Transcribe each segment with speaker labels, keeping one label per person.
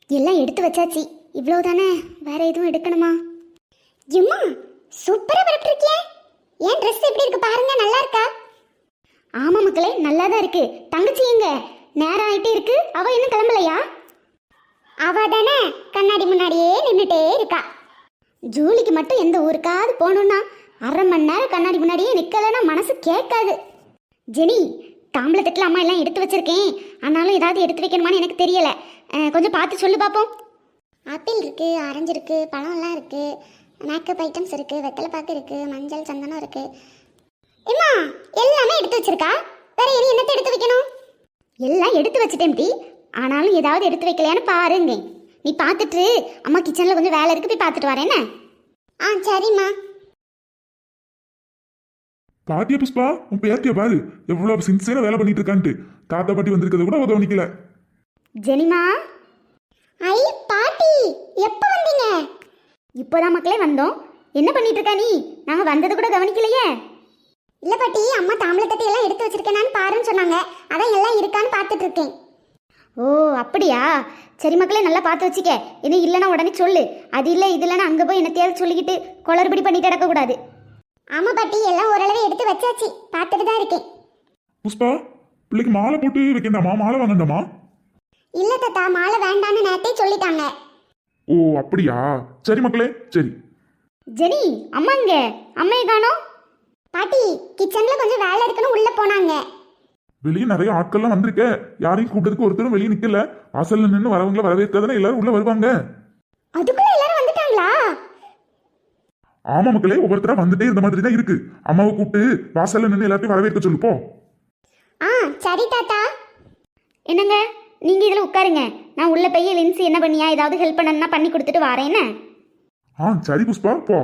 Speaker 1: எல்லாம் எடுத்து வச்சாச்சு, இவ்வளவுதானே, வேற எதுவும் எடுக்கணுமா? எம்மா சூப்பரா பரப்பிருக்கிய. ஏன் ட்ரெஸ் எப்படி இருக்கு பாருங்க, நல்லா இருக்கா? ஆமா மக்களே, நல்லா தான் இருக்கு. தங்கச்சி எங்க? நேரம் ஆயிட்டே இருக்கு, அவ இன்னும் கிளம்பலையா? அவ தானே கண்ணாடி முன்னாடியே நின்றுட்டே இருக்கா. ஜூலிக்கு மட்டும் எந்த ஊருக்காவது போகணும்னா அரை மணி நேரம் கண்ணாடி முன்னாடியே நிக்கலன்னா மனசு கேட்காது. ஜெனி, தாம்பளத்தட்டில் அம்மா எல்லாம் எடுத்து வச்சிருக்கேன், ஆனாலும் ஏதாவது எடுத்து வைக்கணுமான்னு எனக்கு தெரியல. கொஞ்சம் பார்த்து சொல்லு பார்ப்போம். ஆப்பிள் இருக்கு, ஆரஞ்சு இருக்கு, பழம்லாம் இருக்கு, மேக்கப் ஐட்டம்ஸ் இருக்கு, வெத்தலை பாக்கு இருக்கு, மஞ்சள் சந்தனம் இருக்கு. ஏம்மா எல்லாமே எடுத்து வச்சிருக்கா, வேற இனி என்னத்தை எடுத்து வைக்கணும்? எல்லாம் எடுத்து வச்சுட்டேன் டி, ஆனாலும் ஏதாவது எடுத்து வைக்கலையான்னு பாருங்க. நீ பார்த்துட்டு, அம்மா கிச்சனில் கொஞ்சம் வேலை இருக்கு, போய் பார்த்துட்டு வரேன். ஆ சரிம்மா.
Speaker 2: பாத்தியா புஷ்பா, உன் பேத்திய பாரு எவ்வளவு சின்சியரா வேலை பண்ணிட்டு இருக்கான்ட்டு. தாத்தா பாட்டி வந்திருக்கிறது கூட கவனிக்கல.
Speaker 1: ஜெனிமா. ஐ பாட்டி, எப்போ வந்தீங்க? இப்போதான் மக்களே வந்தோம். என்ன பண்ணிட்டு இருக்கா நீ? நாங்க வந்தது கூட கவனிக்கலையே. இல்ல பாட்டி, அம்மா தாம்பளத்தட்டை எல்லாம் எடுத்து வச்சிருக்கேனான்னு பாருன்னு சொன்னாங்க, அதான் எல்லாம் இருக்கான்னு பார்த்துட்டு இருக்கேன். ஓ அப்படியா, சரி மக்களே, நல்லா பார்த்து வச்சுக்க. இன்னும் இல்லைன்னா உடனே சொல்லு. அது இல்லை இது இல்லைன்னா அங்கே போய் என்னத்தையாவது சொல்லிக்கிட்டு குளறுபடி பண்ணிட்டு கிடக்கக்கூடாது. ஆமா பாட்டி, எல்லாம் ஓரளவு எடுத்து வச்சாச்சு, பார்த்துட்டு தான் இருக்கேன்.
Speaker 2: புஷ்பா, பிள்ளைக்கு மாலை போட்டு வைக்கண்டாமா? மாலை வாங்கண்டாமா?
Speaker 1: இல்ல தாத்தா, மாலை வேண்டான்னு நேத்தே சொல்லிட்டாங்க.
Speaker 2: ஓ அப்படியா, சரி மக்களே, சரி.
Speaker 1: ஜெனி, அம்மா இங்க, அம்மையை காணோம். பாட்டி கிச்சன்ல கொஞ்சம் வேலை இருக்குன்னு உள்ள போனாங்க.
Speaker 2: வெளியே நிறைய ஆட்கள்லாம் வந்திருக்க, யாரையும் கூப்பிட்டதுக்கு ஒருத்தரும் வெளியே நிக்கல. வாசல்ல நின்று வரவங்களை வரவேற்காதானே எல்லாரும் உள்ள வருவாங்க.
Speaker 1: அதுக்குள்ள எல்லாரும் வந்துட்டாங்களா?
Speaker 2: ஆமா மக்களே, ஒவ்வொருத்தரா வந்துட்டே இருந்த மாதிரி தான் இருக்கு. அம்மாவை கூப்பிட்டு வாசல்ல நின்று எல்லாத்தையும் வரவேற்க சொல்லு போ.
Speaker 1: ஆ சரி தாத்தா. என்னங்க, நீங்க இதுல உட்காருங்க, நான் உள்ள போய் லின்சி என்ன பண்ணியா ஏதாவது ஹெல்ப் பண்ணணும்னா பண்ணி கொடுத்துட்டு வரேன். என்ன?
Speaker 2: ஆ சரி புஷ்பா, போ.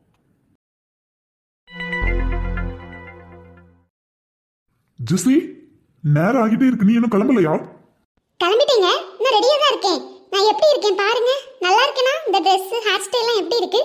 Speaker 2: ஜெசி, நேரம் ஆகிட்டே இருக்கு, நீ இன்னும் கிளம்பலையா?
Speaker 1: கிளம்பிட்டீங்க? நான் ரெடியா தான் இருக்கேன். நான் எப்படி இருக்கேன் பாருங்க, நல்லா இருக்கேனா? இந்த Dress ஹேர் ஸ்டைல்லாம் எப்படி இருக்கு?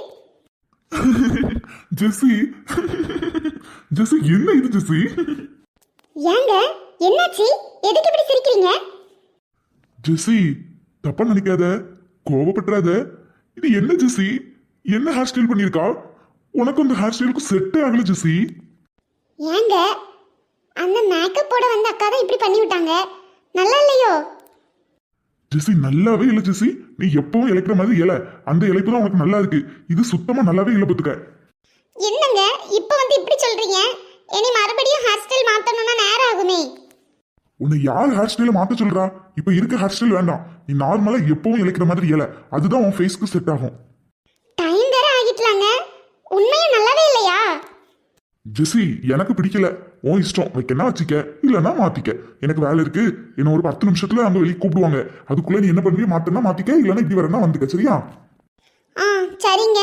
Speaker 2: ஜெசி, ஜெசி என்ன இது ஜெசி?
Speaker 1: ஏங்க என்னாச்சு, எதுக்கு இப்படி சிரிக்கிறீங்க?
Speaker 2: ஜெசி தப்பா நினைக்காத, கோவப்பட்டுறாத. இது என்ன ஜெசி, என்ன ஹேர் ஸ்டைல் பண்ணிருக்கா? உனக்கு அந்த ஹேர் ஸ்டைலுக்கு செட்டே ஆகல ஜெசி.
Speaker 1: ஏங்க, அந்த மேக்கப் போட வந்த அக்கா தான் இப்படி பண்ணி விட்டாங்க, நல்லா இல்லையோ?
Speaker 2: ஜெசி நல்லாவே இல்ல ஜெசி, நீ எப்பவும் இழைக்கிற மாதிரி இல, அந்த இழைப்பு தான் உனக்கு நல்லா இருக்கு. இது சுத்தமா நல்லாவே இல்ல பத்துக்க.
Speaker 1: என்னங்க இப்ப வந்து இப்படி சொல்றீங்க? இனி மறுபடியும் ஹேர் ஸ்டைல் மாத்தணும்னா நேரம் ஆகுமே.
Speaker 2: உன்னை யார் ஹேர் ஸ்டைல மாத்த சொல்றா? இப்ப இருக்க ஹேர் ஸ்டைல் வேண்டாம், நீ நார்மலா எப்பவும் இழைக்கிற மாதிரி இல, அதுதான் உன் ஃபேஸ்க்கு செட் ஆகும்.
Speaker 1: டைம் வேற ஆகிட்டலாங்க, உண்மையா நல்லாவே இல்லையா?
Speaker 2: ஜெசி எனக்கு பிடிக்கல, உன் இஷ்டம், வைக்கனா வச்சுக்க, இல்லைன்னா மாத்திக்க. எனக்கு வேலை இருக்கு, என்ன ஒரு 10 நிமிஷத்துல அங்க வெளியே கூப்பிடுவாங்க, அதுக்குள்ள நீ என்ன பண்ணுவிய, மாத்தனா மாத்திக்க, இல்லைன்னா இப்படி வரனா வந்துக்க, சரியா?
Speaker 1: ஆ சரிங்க.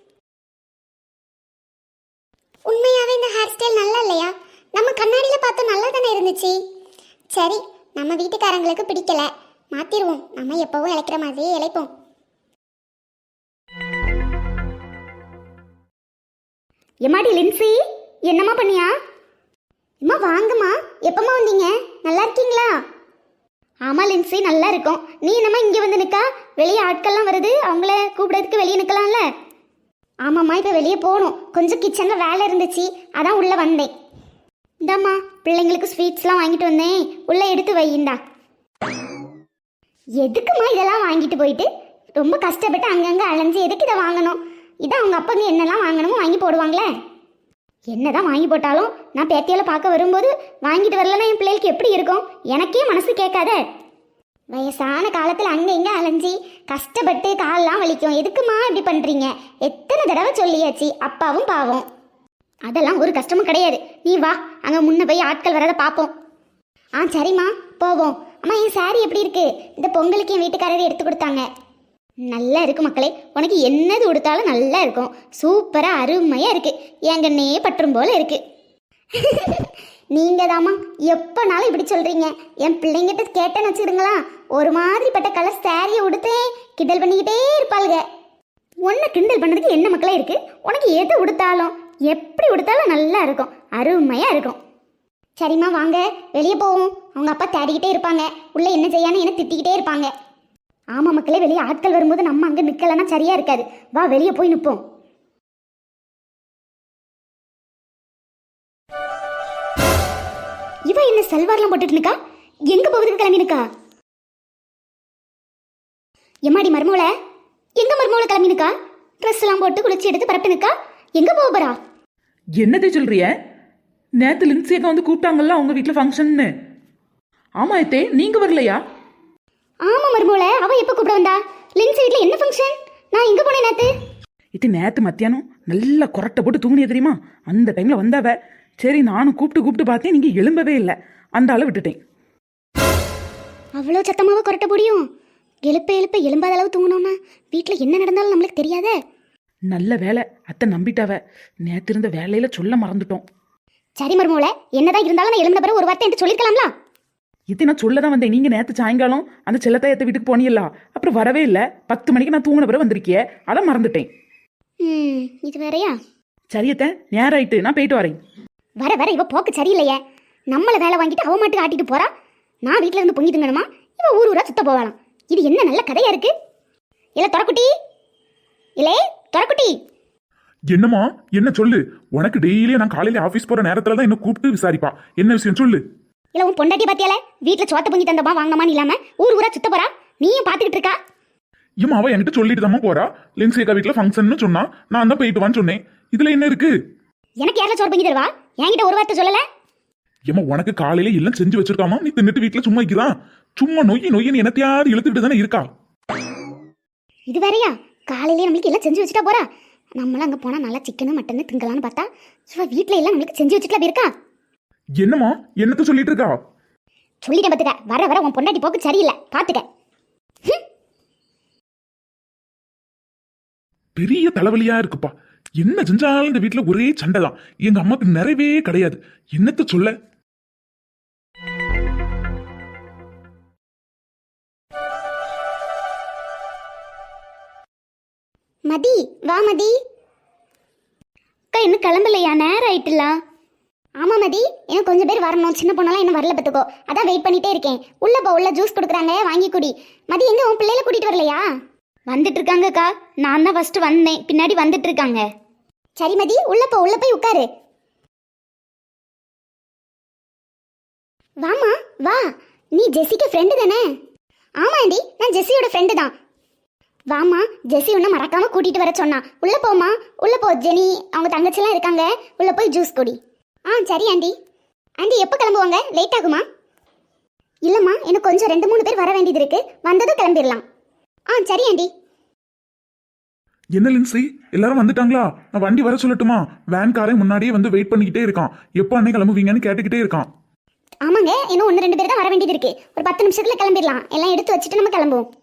Speaker 1: உண்மையாவே இந்த ஹேர் ஸ்டைல் நல்லா இல்லையா? நம்ம கண்ணாடியில பார்த்தா நல்லா தானே இருந்துச்சு. சரி, நம்ம வீட்டுக்காரங்களுக்கு பிடிக்கல, மாத்திருவோம். நம்ம எப்பவும் இழைக்கிற மாதிரியே இழைப்போம். எம்மாடி லின்சி, என்னம்மா பண்ணியா? அம்மா வாங்கம்மா, எப்பம்மா வந்தீங்க? நல்லா இருக்கீங்களா? ஆமா லின்சி, நல்லா இருக்கும். நீ என்னம்மா இங்கே வந்து நிற்கா? வெளியே ஆட்கள்லாம் வருது, அவங்கள கூப்பிடறதுக்கு வெளியே நிற்கலாம்ல? ஆமாம்மா, இப்போ வெளியே போகணும், கொஞ்சம் கிச்சனில் வேலை இருந்துச்சு, அதான் உள்ளே வந்தேன். இந்தாம்மா பிள்ளைங்களுக்கு ஸ்வீட்ஸ்லாம் வாங்கிட்டு வந்தேன், உள்ளே எடுத்து வையிண்டா. எதுக்குமா இதெல்லாம் வாங்கிட்டு போயிட்டு ரொம்ப கஷ்டப்பட்டு அங்கங்கே அலைஞ்சு எதுக்கு இதை வாங்கணும்? இதான் அவங்க அப்பங்க என்னெல்லாம் வாங்கணுமோ வாங்கி போடுவாங்களே. என்னதான் வாங்கி போட்டாலும் நான் பேத்தியால பார்க்க வரும்போது வாங்கிட்டு வரலன்னா என் பிள்ளைகளுக்கு எப்படி இருக்கும்? எனக்கே மனசு கேட்காத. வயசான காலத்தில் அங்கே இங்கே அலைஞ்சி கஷ்டப்பட்டு காலெல்லாம் வலிக்கும், எதுக்குமா இப்படி பண்ணுறீங்க? எத்தனை தடவை சொல்லியாச்சு, அப்பாவும் பாவம். அதெல்லாம் ஒரு கஷ்டமும் கிடையாது. நீ வா, அங்கே முன்ன போய் ஆட்கள் வரதை பார்ப்போம். ஆ சரிம்மா, போவோம். அம்மா என் சாரி எப்படி இருக்கு? இந்த பொங்கலுக்கு என் வீட்டுக்காரர் எடுத்து கொடுத்தாங்க. நல்லா இருக்கு மக்களே, உனக்கு என்னது கொடுத்தாலும் நல்லா இருக்கும், சூப்பராக அருமையாக இருக்கு, எங்கன்னே பற்றும் போல இருக்கு. நீங்க தாமா எப்போனாலும் இப்படி சொல்றீங்க. என் பிள்ளைங்கிட்ட கேட்டேன்னு வச்சுக்கிடுங்களா, ஒரு மாதிரிப்பட்ட கலர் சாரியை உடுத்தேன் கிண்டல் பண்ணிக்கிட்டே இருப்பாளுங்க. உன்னை கிண்டல் பண்ணுறதுக்கு என்ன மக்களே இருக்கு? உனக்கு எது உடுத்தாலும் எப்படி உடுத்தாலும் நல்லா இருக்கும், அருமையாக இருக்கும். சரிம்மா வாங்க வெளியே போவோம், அவங்க அப்பா தேடிக்கிட்டே இருப்பாங்க, உள்ளே என்ன செய்யான்னு என்ன திட்டிக்கிட்டே இருப்பாங்க. ஆமா மக்களே, வெளியே ஆட்கள் வரும்போது நம்ம அங்க நிக்கலன்னா சரியா இருக்காது. வா வெளியே போய் நிப்போம். இவ என்ன சல்வார்லாம் போட்டுட்டு இருக்கா? எங்க போகுதுக்கு கிளம்பி நிக்கா? எம்மாடி மருமோள, எங்க மருமோள கிளம்பி நிக்கா? ட்ரெஸ் எல்லாம் போட்டு குளிச்சு எடுத்து பரப்பிட்டு நிக்கா. எங்க போக போறா?
Speaker 3: என்னதே சொல்றிய? நேத்து லின்சி அக்கா வந்து கூப்பிட்டாங்கல்ல உங்க வீட்டுல ஃபங்க்ஷன்னு. ஆமா அத்தே, நீங்க வரலையா?
Speaker 1: ஆமா மருமோள, அவ எப்ப கூப்பிட வந்தா? லின்ஸ் வீட்ல என்ன ஃபங்க்ஷன்? நான் எங்க போனேன் நேத்து?
Speaker 3: இது நேத்து மத்தியானம் நல்லா கொரட்டை போட்டு தூங்கினிய தெரியுமா? அந்த டைம்ல வந்தாவ. சரி நானும் கூப்பிட்டு பார்த்தேன், நீங்க எழும்பவே இல்லை. அந்த ஆளை விட்டுட்டேன்.
Speaker 1: அவ்வளோ சத்தமாவ கொரட்ட முடியும்? எழுப்ப எழும்பாத அளவு தூங்கணும்னா வீட்டுல என்ன நடந்தாலும் நம்மளுக்கு தெரியாதே.
Speaker 3: நல்ல வேலை, அத்தை நம்பிட்டாவ. நேத்து இருந்த வேலையில சொல்ல மறந்துட்டோம்.
Speaker 1: சரி மருமோள, என்னதான் இருந்தாலும் நான் எழுந்த பிறகு ஒரு வார்த்தை என்று சொல்லிருக்கலாம்ல.
Speaker 3: இது நான் சொல்லதான் வந்தேன். நீங்க நேத்து சாயங்காலம் அந்த செல்லத்தாயத்தை வீட்டுக்கு போனீங்களா, அப்புறம் வரவே இல்லை. 10 மணிக்கு நான் தூங்கின பிறகு வந்திருக்கிய, அதை மறந்துட்டேன்.
Speaker 1: இது வேறையா?
Speaker 3: சரியத்த, நேரம் ஆயிட்டு, நான் போயிட்டு வரேன்.
Speaker 1: வர இவ போக்கு சரியில்லையே. நம்மள வேலை வாங்கிட்டு அவ மாட்டுக்கு ஆட்டிட்டு போறா. நான் வீட்டுல இருந்து பொங்கி திங்கணுமா, இவ ஊரா சுத்த போகலாம். இது என்ன நல்ல கதையா இருக்கு? இல்ல தொரக்குட்டி, இல்லே தொரக்குட்டி.
Speaker 2: என்னம்மா, என்ன சொல்லு? உனக்கு டெய்லியும் நான் காலையில ஆபீஸ் போற நேரத்துல தான் என்ன கூப்பிட்டு விசாரிப்பா. என்ன விஷயம் சொல்லு?
Speaker 1: இல்ல உன் பொண்டாட்டி பாத்தியால, வீட்டுல சோத்த பொங்கி தந்தமா வாங்கினமான்னு இல்லாம ஊரா சுத்த போறா. நீயும் பாத்துக்கிட்டு இருக்கா?
Speaker 2: ஏமா, அவ என்கிட்ட சொல்லிட்டு தான் போறா. லின்சி அக்கா வீட்டுல ஃபங்க்ஷன் சொன்னா, நான் தான் போயிட்டு வான்னு சொன்னேன். இதுல என்ன இருக்கு?
Speaker 1: எனக்கு யாரில் சோறு பொங்கி தருவா? என்கிட்ட ஒரு வார்த்தை சொல்லல.
Speaker 2: ஏமா, உனக்கு காலையில எல்லாம் செஞ்சு வச்சிருக்காமா, நீ தின்னுட்டு வீட்டுல சும்மா இருக்கிறான். சும்மா நொய்யு என்னத்தையாவது இழுத்துக்கிட்டு தானே இருக்கா.
Speaker 1: இது வேறையா? காலையிலேயே நம்மளுக்கு எல்லாம் செஞ்சு வச்சுட்டா போறா. நம்மளாம் அங்க போனா நல்லா சிக்கனு மட்டன்னு திங்கலான்னு பார்த்தா சும்மா வீட்டுல எல்லாம் நம்மளுக்கு செஞ்சு வச்சுட்டுலாம் இருக்கா.
Speaker 2: என்னம்மா, என்னத்த சொல்லிட்டு இருக்கா?
Speaker 1: சொல்லிட்டேன் பாத்துக்க. வர உன் பொண்டாட்டி போக்கு சரியில்லை, பாத்துக்க.
Speaker 2: பெரிய தலைவலியா இருக்குப்பா. என்ன செஞ்சாலும் இந்த வீட்டுல ஒரே சண்டை தான். எங்க அம்மாக்கு நிறைவே கிடையாது. என்னத்த சொல்ல?
Speaker 1: மதி, வா மதி. அக்கா இன்னும் கிளம்பலையா? நேரம் ஆயிட்டுல. ஆமா மதி, இன்னும் கொஞ்சம் பேர் வரணும். சின்ன பொண்ணெல்லாம் இன்னும் வரல பத்துக்கோ. அதான் வெயிட் பண்ணிட்டே இருக்கேன். உள்ள ஜூஸ் கொடுக்குறாங்க, வாங்கி குடி. மதி எங்க உன் பிள்ளைல கூட்டிட்டு வரலையா? வந்துட்டு இருக்காங்கக்கா. நான் தான் ஃபர்ஸ்ட் வந்தேன், பின்னாடி வந்துட்டு இருக்காங்க. சரி மதி, உள்ள போய் உட்காரு. வாமா வா. நீ ஜெசிக்கு ஃப்ரெண்டு தானே? ஆமாண்டி, நான் ஜெசியோட ஃப்ரெண்டு தான். வாமா, ஜெசி உன்னை மறக்காம கூட்டிட்டு வர சொன்னா. உள்ள போமா, உள்ள போ. ஜெனி அவங்க தங்கச்சிலாம் இருக்காங்க, உள்ள போய் ஜூஸ் குடி. சரி ஆண்டி. ஆண்டி எப்போ கிளம்புவாங்க? லேட் ஆகுமா? இல்லம்மா, எனக்கு கொஞ்சம் 2-3 பேர் வர வேண்டியது இருக்கு. வந்ததும் கிளம்பிடலாம். சரி ஆண்டி.
Speaker 2: என்ன லின்சி, எல்லாரும் வந்துட்டாங்களா? நான் வண்டி வர சொல்லட்டுமா? வேன்காரன் முன்னாடியே வந்து வெயிட் பண்ணிக்கிட்டே இருக்கான். எப்போ அன்னை கிளம்புவீங்கன்னு கேட்டுக்கிட்டே இருக்கான்.
Speaker 1: ஆமாங்க, இன்னும் 1-2 பேர் தான் வர வேண்டியது இருக்கு. ஒரு 10 நிமிஷத்துல கிளம்பிடலாம். எல்லாம் எடுத்து வச்சுட்டு நம்ம கிளம்புவோம்.